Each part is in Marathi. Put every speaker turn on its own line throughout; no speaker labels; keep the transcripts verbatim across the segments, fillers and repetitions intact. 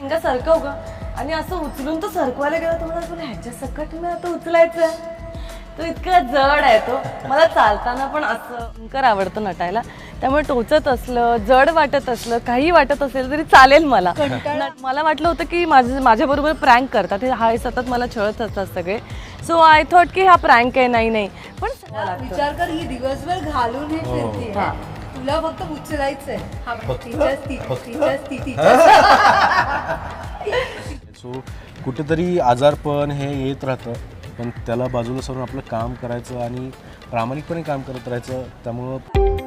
का सरकव ग आणि असं उचलून तो सरकवायला गेला तर मला तुला ह्याच्या सकट मी आता उचलायचं. तो इतका जड आहे तो. मला चालताना पण असं भयंकर आवडतं नटायला, त्यामुळे टोचत असलं, जड वाटत असलं, काही वाटत असेल तरी चालेल मला. मला वाटलं होतं की माझं माझ्याबरोबर प्रँक करतात, हे हा सतत मला छळत असतात सगळे. सो आय थॉट की हा प्रँक आहे. नाही नाही पण
विचार कर, ही दिवसभर घालून हे फिरते, तुला फक्त उचलायचंय. हा
सो कुठेतरी आजारपण हे येत राहतं, पण त्याला बाजूला सोडून आपलं काम करायचं आणि प्रामाणिकपणे काम करत राहायचं. त्यामुळं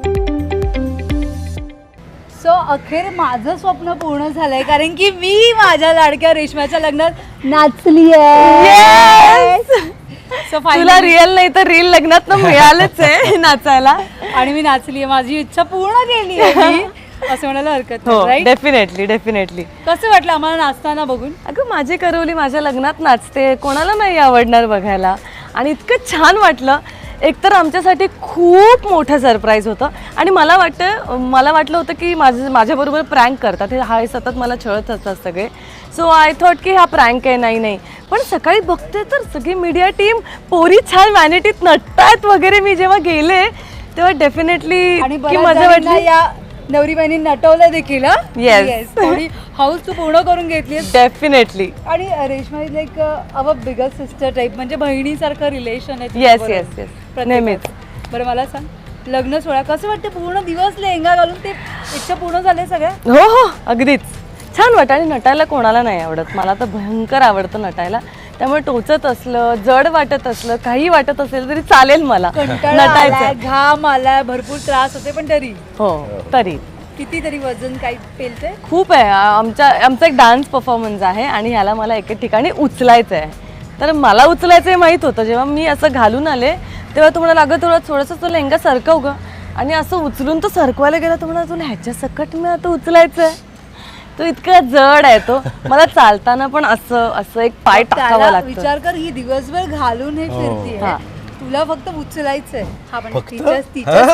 सो अखेर माझं स्वप्न पूर्ण झालंय, कारण की मी माझ्या लाडक्या रेशमाच्या लग्नात नाचली आहे.
तुला रिअल नाही तर रील लग्नात मिळालंच आहे नाचायला,
आणि मी नाचली आहे. माझी इच्छा पूर्ण केली आहे असं म्हणायला हरकत नाही, राईट?
Definitely definitely.
कसं वाटलं आम्हाला नाचताना बघून?
अगं माझी करवली माझ्या लग्नात नाचते, कोणाला नाही आवडणार बघायला. आणि इतकं छान वाटलं. एकतर आमच्यासाठी खूप मोठं सरप्राईज होतं आणि मला वाटतं मला वाटलं होतं की माझं माझ्याबरोबर प्रँक करतात, हे हा सतत मला छळत असतात सगळे. सो आय थॉट की हा प्रँक आहे. नाही नाही पण सकाळी बघते तर सगळी मीडिया टीम पोरी छान वॅनिटीत नटतायत वगैरे. मी जेव्हा गेले तेव्हा डेफिनेटली
आणि
की मजा वाटली.
या नवरी बहिणी नटवलं देखील.
Yes.
थोडी हाऊस तू पूर्ण करून घेतली
डेफिनेटली.
आणि Reshma is like our bigger sister type, म्हणजे बहिणीसारखं रिलेशन आहे.
येस येस येस नेहमीच.
बरं मला सांग, लग्न सोहळा कसं वाटतं? पूर्ण दिवस लेहंगा घालून ते इच्छा पूर्ण झाले सगळ्या?
हो हो अगदीच छान वाटतं. आणि नटायला कोणाला नाही आवडत, मला तर भयंकर आवडतं नटायला. त्यामुळे टोचत असलं, जड वाटत असलं, काही वाटत असेल तरी चालेल मला.
नटायचं, घाम आलाय, भरपूर त्रास होते, पण तरी
हो तरी
कितीतरी वजन काही पेलते
खूप आहे. आमच्या आमचा एक डान्स परफॉर्मन्स आहे आणि ह्याला मला एके ठिकाणी उचलायचं आहे. तर मला उचलायचं हे माहीत होतं. जेव्हा मी असं घालून आले तेव्हा तुम्हाला लागत थोडं थोडंसं तो लेहंगा सरकव ग आणि असं उचलून तो सरकवायला गेला तर मला तुला ह्याच्या सकट मी आता उचलायचं आहे. तो इतका जड आहे तो. मला चालताना पण असं असं एक पाय टाकावा लागतो.
विचार कर, ही दिवसभर घालून हे फिरते, तुला फक्त उचलायचंय. हा पण तिच्या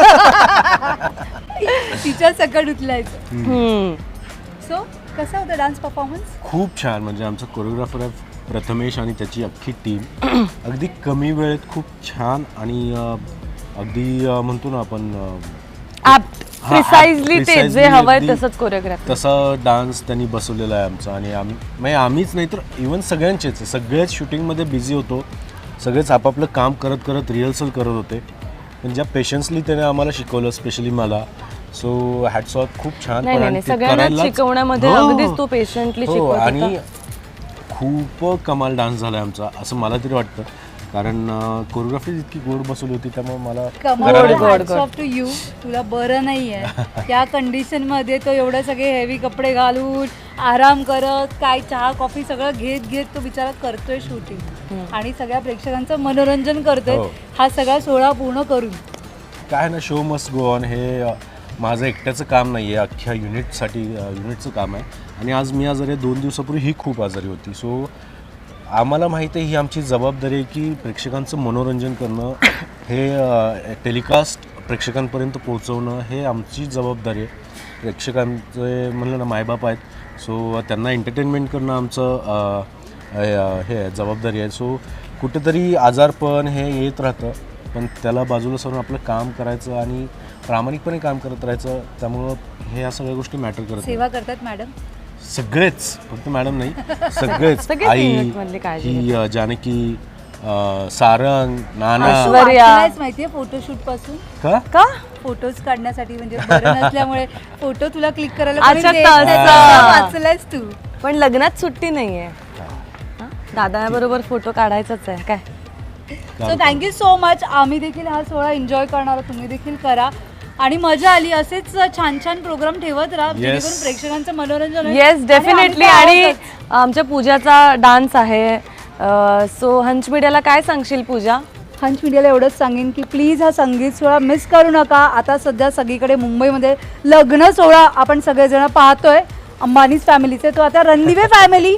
तिच्या सकट उचलायचं. सो कसा होता डान्स परफॉर्मन्स?
खूप छान. म्हणजे आमचा कोरिओग्राफर आहे प्रथमेश आणि त्याची अख्खी टीम अगदी कमी वेळेत खूप छान आणि अगदी म्हणतो ना आपण
प्रिसाइजली ते जे हवंय तसंच कोरिओग्राफी
तसा डान्स त्यांनी बसवलेला आहे आमचा. आणि आम्ही म्हणजे आम्हीच नाही तर इवन सगळ्यांचेच सगळेच शूटिंगमध्ये बिझी होतो, सगळेच आपापलं काम करत करत रिहर्सल करत होते. पण ज्या पेशन्सली त्याने आम्हाला शिकवलं, स्पेशली मला. सो हॅट्स ऑफ, खूप छान.
सगळ्यांना शिकवण्यामध्ये अगदीच तो पेशंटली शिकवत
आणि खूप कमाल डान्स झाला आमचा असं मला तरी वाटतं, कारण कोरिओग्राफी इतकी गोड बसवली होती. त्यामुळे मला
टू यू. तुला बरं नाहीये त्या कंडिशन मध्ये तो एवढे सगळे हेवी कपडे घालून आराम करत काय चहा कॉफी सगळं घेत घेत तो बिचारा करतोय शूटिंग आणि सगळ्या प्रेक्षकांचं मनोरंजन करतोय. हा सगळा सोहळा पूर्ण करून
काय ना, शो मस्ट गो ऑन. हे माझं एकट्याचं काम नाही आहे, अख्ख्या युनिटसाठी युनिटचं काम आहे. आणि आज मी आजारी आहे, दोन दिवसापूर्वी ही खूप आजारी होती. सो आम्हाला माहिती आहे ही आमची जबाबदारी आहे की प्रेक्षकांचं मनोरंजन करणं, हे टेलिकास्ट प्रेक्षकांपर्यंत पोहोचवणं हे आमची जबाबदारी आहे. प्रेक्षकांचे म्हणलं ना मायबाप आहेत, सो त्यांना एंटरटेनमेंट करणं आमचं हे जबाबदारी आहे. सो कुठेतरी आजारपण हे येत राहतं, पण त्याला बाजूला सोडून आपलं काम करायचं आणि प्रामाणिकपणे काम करत राहायचं. त्यामुळं हे या सगळ्या गोष्टी मॅटर करतात.
सेवा करतात मॅडम
सगळेच, फक्त मॅडम नाही, सगळेच. आई, ही जानकी, सारंग, नाना,
माहितीये फोटोशूट पासून
का
का
फोटोज काढण्यासाठी, म्हणजे बरं नसल्यामुळे फोटो तुला क्लिक करायला वाचलायस तू.
पण लग्नात सुट्टी नाहीये, दादाबरोबर फोटो काढायचाच आहे काय.
So thank you so much. आम्ही देखील हा सोहळा एन्जॉय करणार, तुम्ही देखील करा आणि मजा आली. असेच छान छान प्रोग्राम ठेवत राहा जेणेकरून प्रेक्षकांचं मनोरंजन होईल.
Yes definitely. आणि आमच्या पूजाचा डान्स आहे. सो हंच मीडियाला काय सांगशील पूजा?
हंच मीडियाला एवढंच सांगेन की प्लीज हा संगीत सोहळा मिस करू नका. आता सध्या सगळीकडे मुंबईमध्ये लग्न सोहळा आपण सगळेजण पाहतोय अंबानीज फॅमिलीचे. तो आता रणदिवे फॅमिली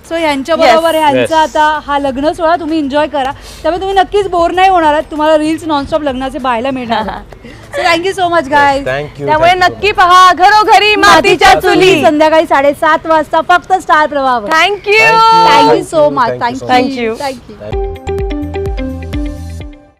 सो ह्यांच्या बरोबर
Yes.
ह्यांचा
Yes.
आता हा लग्न सोहळा तुम्ही एन्जॉय करा, त्यामुळे तुम्ही नक्कीच बोर नाही होणार आहात. तुम्हाला रील्स नॉनस्टॉप लग्नाचे पाहायला मिळणार. So thank you so much guy.
Thank you.
त्यामुळे नक्की पहा घरोघरी मातीच्या चुली.
संध्याकाळी साडेसात वाजता फक्त Star Pravah.
Thank you
thank you so much.
Thank you so
thank you
much.
Thank you.